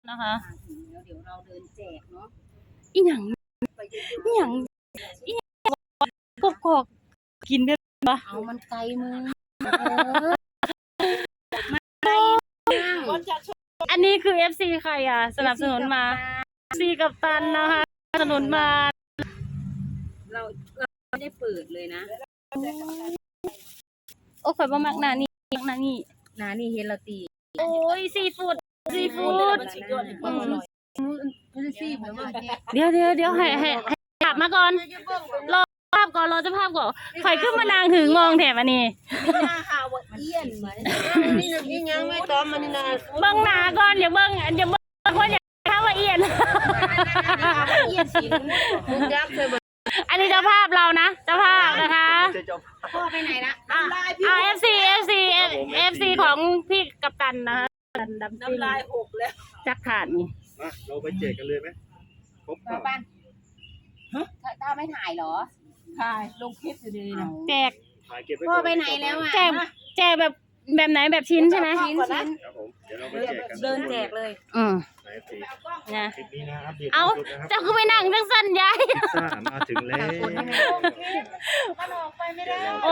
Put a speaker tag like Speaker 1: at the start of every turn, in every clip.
Speaker 1: นะคะ
Speaker 2: แล้วเดี๋ยวเราเดินแจกเนาะ
Speaker 1: อีหยังอีหยังอีหยังกอกกินได้ปะ
Speaker 2: เอามันไกลมือ
Speaker 1: อันนี้คือ FC ใครอ่ะสนับสนุนมา FC กัปตันนะคะสนับสนุนมา
Speaker 2: เราไม่ได้เปิดเลยนะ
Speaker 1: โอ้ข่อยบ่มักหน้านี่มักหน้านี่
Speaker 2: นานี่เฮลาตี
Speaker 1: โอ้ยซีฟู้ดเดี๋ยวให้กลับมาก่อนรอภาพก่อนรอเจ้าภาพก่อนข่อยขึ้นมานางถึงมองแถมอันนี้
Speaker 2: นี่ยังไม่ต้อมมันนี่นะ
Speaker 1: เบิ่งหน้าก่อนอย่าเบิ่งคนอยากเข้าว่าเอียน
Speaker 2: เอียนสีมุกยักษ์เคยบอก
Speaker 1: อันนี้เจ้าภาพเรานะเจ้าภาพนะคะ
Speaker 2: พ่อไปไหนละ
Speaker 1: FC ของพี่กัปตันนะคะน้ำลายหกแล้วจักขาดนี่
Speaker 3: มาเราไปแจกกันเลยไหมครบเปล่า
Speaker 2: บ้านต้าไม่ถ่ายเหรอถ่ายลงคลิปอยู่ดีนะ
Speaker 1: แจก
Speaker 3: ถ่ายเก็บไว้
Speaker 2: พ่อ
Speaker 3: ก่อน
Speaker 2: ไปไหนแล้วอ่ะ
Speaker 1: แจกแบบไหนแบบชิ้นใช่ไหม
Speaker 2: ชิ้น
Speaker 3: ครับผมเดี๋ยวเราไปแจกกัน
Speaker 2: เดินแจกเลย
Speaker 3: ไหนสิ
Speaker 1: นะ
Speaker 3: คลิปนี้นะอัปเดต
Speaker 1: เอา
Speaker 3: ล่าสุดนะครับ
Speaker 1: เจ้าคือไปนั่งจังสั้นยาย
Speaker 3: พิซซ่ามาถึงแล้ว
Speaker 2: มันออกไปไม่ได้
Speaker 1: โอ้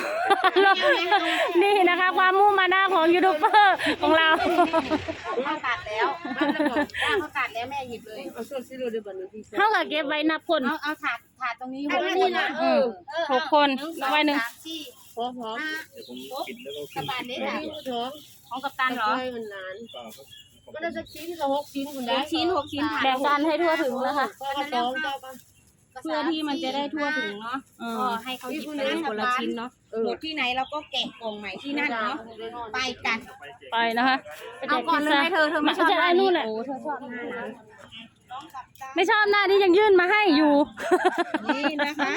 Speaker 1: นี่นะคะความมุ่งมานะของยูทูบเบอร์ของเรา
Speaker 2: เขาตัดแล้วเขาตัดแล้วแม่หยิบเลยเอาส่วนซิโร่ดูบันทึกที่
Speaker 1: เท่ากับเก็บไว้นับคน
Speaker 2: เอาถาดตรงนี้นี่นะ
Speaker 1: 6 คนไว้หนึ่ง
Speaker 2: พร้อม
Speaker 3: เดี๋ยวผมปิดแล้วก็
Speaker 2: ก
Speaker 3: ขึ้
Speaker 2: ระ
Speaker 3: น
Speaker 2: บาดนี้ค่ะ
Speaker 1: ของกัปตันเหรอ
Speaker 3: เปล่าครับ
Speaker 2: ก็ได้สักชิ้นกับ6 ชิ้นคุณได้6 ชิ้น
Speaker 1: แบ่งกันให้ทั่วถึงนะคะ
Speaker 2: ก็สองเจ้าป่ะ
Speaker 1: เพื่อที่มันจะได้ทั่วถึงเนาะ
Speaker 2: ก็ให้เขาหยิบไปคนละชิ้นเนาะหมดที่ไหนเราก็แกะกล่องใหม่ที่นั่นเนาะไปกัน
Speaker 1: ไปนะคะไปแจ
Speaker 2: เอา
Speaker 1: ก
Speaker 2: ก่อนเลยไหมเธอไม่ชอบ
Speaker 1: จะได้นู่นแหละ
Speaker 2: โอ้เธอชอบหน้านะ
Speaker 1: ไม่ชอบหน้าที่ยังยื่นมาให้อยู่
Speaker 2: นี่นะคะ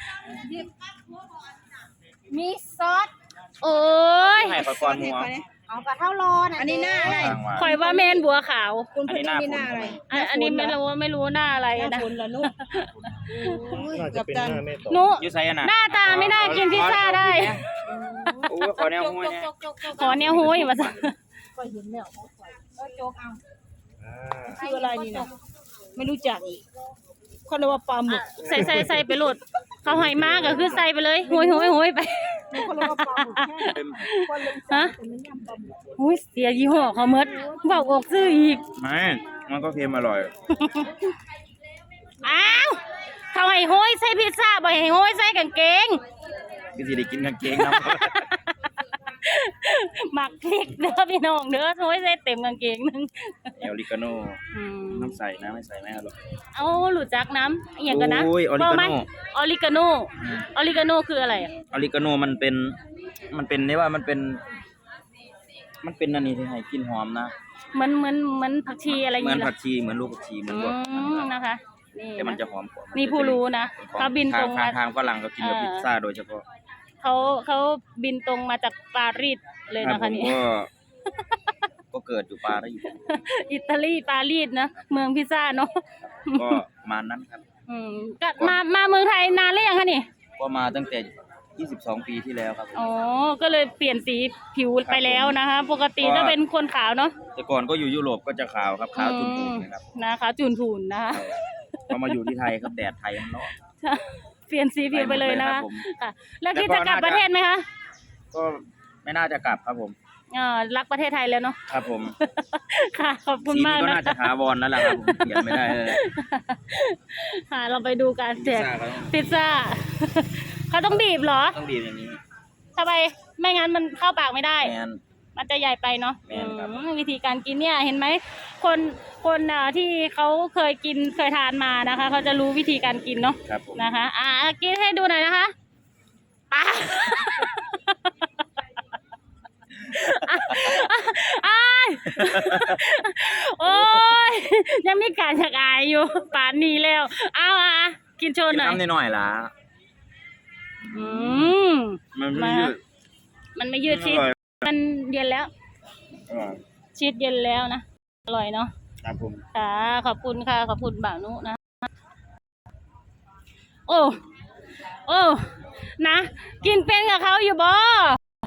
Speaker 2: มีซอส
Speaker 1: โอ้ย
Speaker 4: ให้ขอก่อนหัว
Speaker 2: เอากระเท่าร้อนอันนี้หน้าอะไร
Speaker 1: ข่อยว่าแมนบัวขาว
Speaker 2: คุณพี่นี่หน้าอะไร
Speaker 1: อันนี้ไม่รู้หน้าอะไร
Speaker 2: หน้า
Speaker 1: นะ
Speaker 2: ฝนเหรอลูก
Speaker 3: น่าจะเป็นหน้าแม่ต่อ
Speaker 1: นุ
Speaker 4: ยูไซน่ะ
Speaker 1: หน้าตาไม่น่ากินพิซซ่าได้
Speaker 4: โอ้ขอแนวหัวเนี่ย
Speaker 1: ขอเนี่ยหูยมาสั่ง
Speaker 2: ก็เห็นแล้วโจ๊กเอา
Speaker 3: อ่า
Speaker 2: ชื่ออะไรนี่นะไม่รู้จักอีกเขาเรียกว่าปลาหมึก
Speaker 1: ใส่ไปโหลดเขาหอยมากก็คือใส่ไปเลยโหยไป
Speaker 2: เขาเรียกว่าปลาหมึกแค่คนลง
Speaker 1: ฮะโอ้ยเสียยี่ห้อเขาเมดบอกอกซื้ออีก
Speaker 4: ไม่มันก็เค็มอร่อย
Speaker 1: อ้าวเขาให้โหยใส่พิซซ่าบ่ให้โหยใส่กางเกง
Speaker 4: พี่สิได้กินกางเกงนะ
Speaker 1: หมักพริกเด้อพี่น้องเด้อโหยใส่เต็มกางเกงนึง
Speaker 4: เอลิกาโน่
Speaker 1: อืม
Speaker 4: น้ำใส่นะไม่ใส่ไม่อร่อย
Speaker 1: เอาหลุดจักน้ำอหย่างกันนะ
Speaker 4: โอ้ยออริกาโน่
Speaker 1: ออริกาโนออริกาโนคืออะไรอะ
Speaker 4: อลิกาโน่มันเป็นนี่ว่ามันเป็นอันนี้ที่ให้กลินหอมนะ
Speaker 1: เหมือนผักชีอะไรอย่าง
Speaker 4: เหมือน
Speaker 1: เงี้ย
Speaker 4: ผักชีเหมือนลูกผักชีเหมือนพวก
Speaker 1: นะคะนี่
Speaker 4: แต่มัน
Speaker 1: นะ
Speaker 4: จะหอมกว่า
Speaker 1: นี่ผู้รู้นะเขาบินตรงมา
Speaker 4: ทางฝรั่งเขากินกับพิซซ่าโดยเฉพาะ
Speaker 1: เขาบินตรงมาจากปารีสเลย
Speaker 4: ครับ
Speaker 1: นะ
Speaker 4: ผ
Speaker 1: คะ
Speaker 4: ม
Speaker 1: นี่
Speaker 4: ก็เกิดอยู่ปารีส
Speaker 1: อิตาลีปารีสนะเมืองพิซซ่าเนาะ
Speaker 4: ก็มานั้นครับ
Speaker 1: ก็มาเมืองไทยนานหรือยังคะนี่
Speaker 4: ก็มาตั้งแต่22 ปีที่แล้วครับผม
Speaker 1: อ๋อก็เลยเปลี่ยนสีผิวไปแล้วนะคะ ปกติถ้าเป็นคนขาวเนาะ
Speaker 4: แต่ก่อนก็อยู่ยุโรปก็จะขาวครับขาวจุนๆนะครับ
Speaker 1: นะคะจุนพูนนะคะ
Speaker 4: พอมาอยู่ที่ไทยครับแดดไทยมันร้อน
Speaker 1: เปลี่ยนสีผิวไปเลยนะ
Speaker 4: ครั
Speaker 1: คะ
Speaker 4: บผม
Speaker 1: ค่ะแล้วคิดจะกลับประเทศไหมคะ
Speaker 4: ก็ไม่น่าจะกลับครับผม
Speaker 1: รักประเทศไทยแล้วเนาะ
Speaker 4: ครับผม
Speaker 1: ค่ะขอบคุณ
Speaker 4: สี
Speaker 1: มาก
Speaker 4: นี้ก็
Speaker 1: นะ
Speaker 4: น่าจะถาวรนั่นแหละครับผมเปลี่ยนไม่ได้เลย
Speaker 1: ค่ะเราไปดูการแจก
Speaker 4: พิซซ่าเขาต้อง
Speaker 1: พิซซ่า เขาต้องบีบเหรอ
Speaker 4: ต้องบีบอย่างนี้
Speaker 1: ทำไมไม่งั้นมันเข้าปากไม่ได้
Speaker 4: แมน
Speaker 1: มันจะใหญ่ไปเนาะ
Speaker 4: แม่นครับ
Speaker 1: วิธีการกินเนี่ยเห็นไหมคนที่เขาเคยกินเคยทานมานะคะเขาจะรู้วิธีการกินเนาะ
Speaker 4: ครับผม
Speaker 1: นะคะกินให้ดูหน่อยนะคะป้าอ้ายโอ้ยยังมีการชักอายอยู่ป่านนี้แล้วเอากินโช
Speaker 4: กิ
Speaker 1: ว์
Speaker 4: น
Speaker 1: หน่อย
Speaker 4: น้ำนิดหน่อยละ
Speaker 1: อืม
Speaker 4: มันไม่ยืด
Speaker 1: มันไม่ยืดชีส
Speaker 4: อร่อย
Speaker 1: มันเย็นแล้ว
Speaker 4: อร่อย
Speaker 1: ชีสเย็นแล้วนะอร่อยเนาะ
Speaker 4: ครับผม
Speaker 1: ค่ะขอบคุณค่ะขอบคุณบ่าวนุนะโอ้นะกินเป็นกับเขาอยู่บ่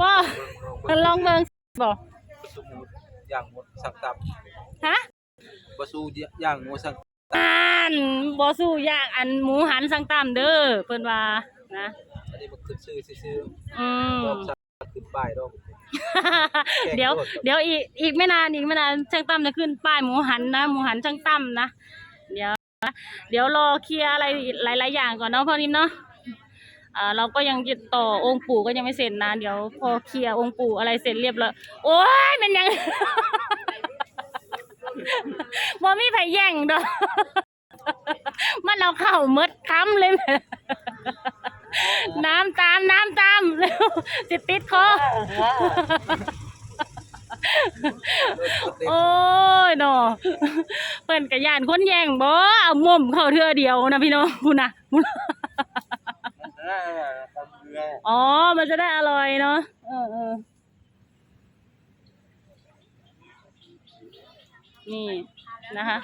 Speaker 1: ลองเบิ่งบ่
Speaker 4: อย่างหมดสับตับ
Speaker 1: ฮะ
Speaker 5: บ่สู้ย่างหมูสัง
Speaker 1: บ่สู้ยากอันหมูหันสังตามเด้อเพิ่นว่านะ
Speaker 5: อันนี้บ่ขึ้นซื่อ
Speaker 1: อืม
Speaker 5: ๆดอกสักขึ้นป้ายดอก
Speaker 1: เดี๋ยวอีกไม่นานช่างตั้มจะขึ้นป้ายหมูหันนะหมูหันช่างตั้มนะเดี๋ยวรอเคลียร์อะไรหลายๆอย่างก่อนเนาะพ่อนิ่มเนาะเราก็ยังติดต่อองค์ปู่ก็ยังไม่เสร็จนะเดี๋ยวพอเคลียร์องค์ปู่อะไรเสร็จเรียบร้อยโอ้ยมันยัง บ่มีไผแย่งดอก มันเอาเข้าหมดคำเลย น้ำตามเร็วสิติดคอ โอ้ยเนาะเพิ่นกะย่านคนแย่งบ่เอาม่มเข้าเทื่อเดียวนะพี่น้องพุ่นน่ะ อ๋อมันจะได้อร่อยเนาะนี่นะคะ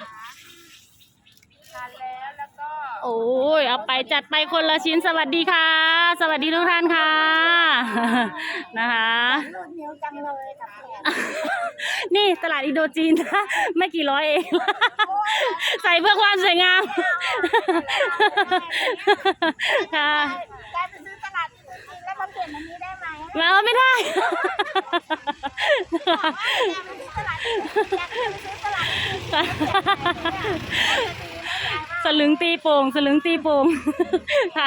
Speaker 1: โอ้ยเอาไปจัดไปคนละชิ้นสวัสดีค่ะ สวัสดีทุกท่านค่ะ นะคะนี่ตลาดอินโดจีนนะไม่กี่ร้อยเอง ใส่เพื่อความสวยงาม ค่ะ
Speaker 2: ได้ไปซื้อตลาดแล้วมาเปลี่ยนอันนี้ได้ไหม
Speaker 1: แล้วไม่ได้ สลึงตีโป่งค่ะ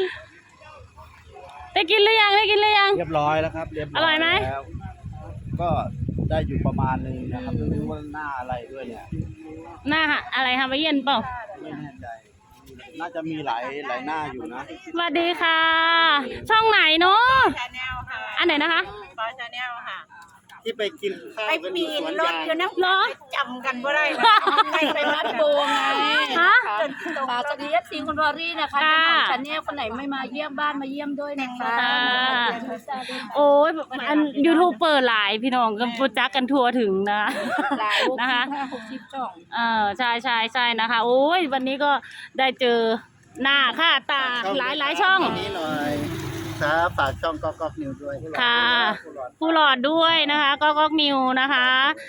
Speaker 1: ได้กินหรือยัง
Speaker 6: เรียบร้อยแล้วครับเรียบร้อย
Speaker 1: อร่อยไหม
Speaker 6: แล้วก็ได้อยู่ประมาณนึงนะครับไม่รู้ว่าหน้าอะไรด้วยเนี่ย
Speaker 1: หน้าอะไรคะไปเย็นเปล่า
Speaker 6: ไม่แน่ใจน่าจะมีหลายหน้าอยู่นะ
Speaker 1: สวัสดีค่ะ ช่องไหนเนาะ
Speaker 2: ชาแนลค่ะ
Speaker 1: อันไหนนะคะ
Speaker 2: ปอชาแนลค่ะ
Speaker 3: ที่ไปกินข้าว
Speaker 2: ไป
Speaker 3: กันอ
Speaker 2: ปี
Speaker 3: ยู่ส
Speaker 2: น
Speaker 3: วน
Speaker 2: รถ
Speaker 3: ยาง
Speaker 2: อยู่น้ำ
Speaker 1: เหรอ
Speaker 2: จำกันบ่ได้ไปมัดโบไง
Speaker 1: ฮะ
Speaker 7: ค่ะสวัสดีFC คุณวอรี่นะคะ
Speaker 1: ค่ะ
Speaker 7: เจ้าของชาแนลคนไหนไม่มาเยี่ยมบ้านมาเยี่ยมด้วยนะคะ
Speaker 1: ค่ะ โอ้ยอันยูทูบเปิดหลายพี่น้องกันโปรจักกันทัวร์ถึงนะ
Speaker 7: หลาย
Speaker 1: นะคะ
Speaker 7: 60จ่อง
Speaker 1: ใช่นะคะ โอ้ยวันนี้ก็ได้เจอหน้าค่าตาหลายช่อง
Speaker 6: นี้หน่อยครับฝากช่องก๊อกนิวด้วย
Speaker 1: ค่ะผู้หลอดด้วยนะคะก็นิวนะคะ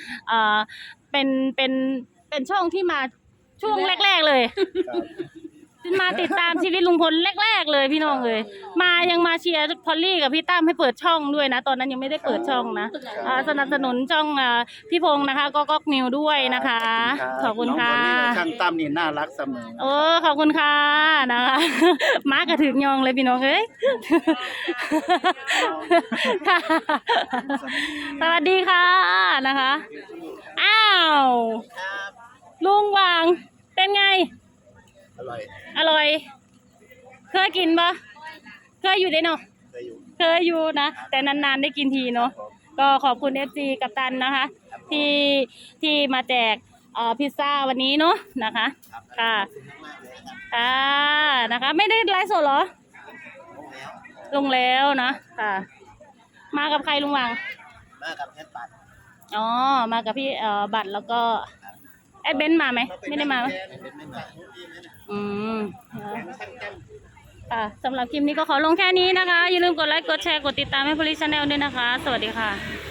Speaker 1: เป็นช่องที่มาช่วงแรกๆเลยมาติดตามชีวิตลุงพลแรกๆเลยพี่น้องเลยยังมาเชียร์พอลลี่กับพี่ตั้มให้เปิดช่องด้วยนะตอนนั้นยังไม่ได้เปิดช่องนะสนับสนุนช่องพี่พงษ์นะคะก็นิวด้วยนะคะ ขอบคุณค่ะ
Speaker 6: ช่างตั้มนี่น่ารักเสมอ
Speaker 1: โอ้ขอบคุณค่ะนะคะ มากระถึงยองเลยพี่น้องเอ้ย ค่ะสวัสดีค่ะนะคะอ้าวลุงวางเป็นไงอร่อยเคยกินปะเคยอยู่ได้เนาะเคยอยู่นะแต่นานๆได้กินทีเนาะก็ขอบคุณ FC กัปตันนะคะที่มาแจกพิซซ่าวันนี้เนาะนะคะค่ะนะคะไม่ได้ไลฟ์สดเหรอลงแล้วนะค่ะมากับใครลุงวัง
Speaker 6: มากับเพชรปัด
Speaker 1: อ๋อมากับพี่บัตรแล้วก็ไอ้เบนซ์มาไหมไม่ได้มาไหมค่ะสำหรับคลิปนี้ก็ขอลงแค่นี้นะคะอย่าลืมกดไลค์กดแชร์กดติดตามให้ Police Channel ด้วยนะคะสวัสดีค่ะ